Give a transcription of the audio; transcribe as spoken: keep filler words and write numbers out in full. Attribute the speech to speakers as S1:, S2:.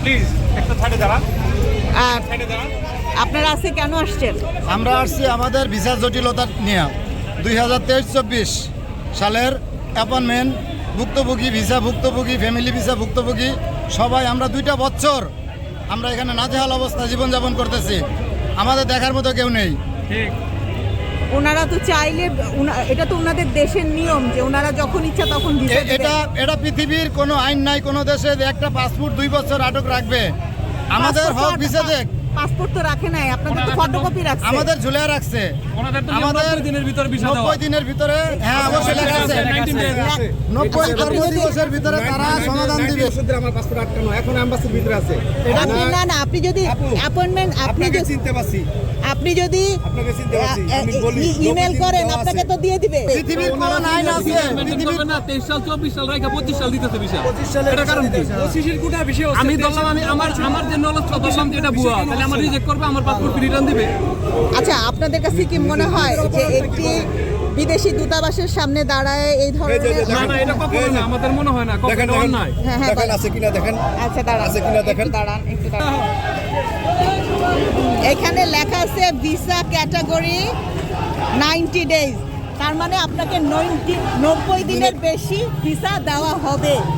S1: Please একটা সাইডে দাঁড়ান,
S2: আর
S1: সাইডে দাঁড়ান।
S2: আপনারা আজকে কেন আসছেন?
S3: আমরা আসছি আমাদের ভিসা জটিলতা নিয়ে দুই হাজার তেইশ চব্বিশ সালের অ্যাপয়েন্টমেন্ট ভুক্তভোগী ভিসা ভুক্তভোগী ফ্যামিলি ভিসা ভুক্তভোগী সবাই আমরা দুইটা বছর আমরা এখানে নাজেহাল অবস্থা জীবনযাপন করতেছি। আমাদের দেখার মতো কেউ নেই।
S1: ঠিক,
S2: ওনারা তো চাইলে উনা- এটা তো ওনাদের দেশের নিয়ম যে ওনারা যখন ইচ্ছা তখন ভিসা
S3: এ- এটা এটা পৃথিবীর কোনো আইন নাই কোনো দেশে যে একটা পাসপোর্ট দুই বছর আটক রাখবে। আমাদের হক ভিসা দেখ,
S2: পাসপোর্ট তো রাখে নাই, আপনাদের তো ফটোকপি রাখছে।
S3: আমাদের ঝুলে রাখছে
S1: ওনাদের তো
S3: আমাদের
S1: নব্বই দিনের ভিতর ভিসা দেওয়া।
S3: নব্বই দিনের ভিতরে হ্যাঁ অবশ্যই লেখা আছে
S1: nineteen days।
S3: নব্বই কর্মদিবসের ভিতরে তারা সমাধান দিবে।
S4: আমার পাসপোর্ট আটকানো এখন অ্যাম্বাসির ভিতরে আছে।
S2: আপনি না না আপনি যদি অ্যাপয়েন্টমেন্ট আপনি
S4: আপনাকে
S2: যদি
S4: চিনতে পারছি,
S2: আপনি যদি
S4: আপনাকে চিনতে পারছি। আমি বলি
S2: ইমেল করেন আপনাকে তো দিয়ে দিবে।
S3: পৃথিবীর কোন আইন আছে পৃথিবীর
S1: না তেইশ সাল চব্বিশ সাল রাখা পঁচিশ সাল দিতেছে ভিসা।
S4: পঁচিশ সালে
S1: এটা কারণ কি?
S4: পঁচিশের কোটা বিষয় হচ্ছে
S1: আমি ধরলাম আমি আমার আমার যে নলেজ ধরলাম যে এটা ভুয়া, তাহলে আমার রিজেক্ট করবে, আমার পাসপোর্ট রিটার্ন দিবে।
S2: আচ্ছা আপনাদের কাছে কি মনে হয় যে একটি বিদেশি দূতাবাসের সামনে দাঁড়ায় এই ধরনের
S1: না না এটা কখনো না, আমাদের মনে হয় না কখনো
S4: দেখেন
S1: এটা
S4: দেখেন
S1: অন্যায়।
S2: হ্যাঁ, হ্যাঁ,
S4: দেখেন
S2: বলেন।
S4: আছে কিনা দেখেন।
S2: আচ্ছা দাঁড়ান
S4: আছে কিনা দেখেন।
S2: একটু দাঁড়ান একটু দাঁড়ান এখানে লেখা আছে ভিসা ক্যাটাগরি নাইনটি ডেজ, তার মানে আপনাকে নব্বই দিনের বেশি ভিসা দেওয়া হবে।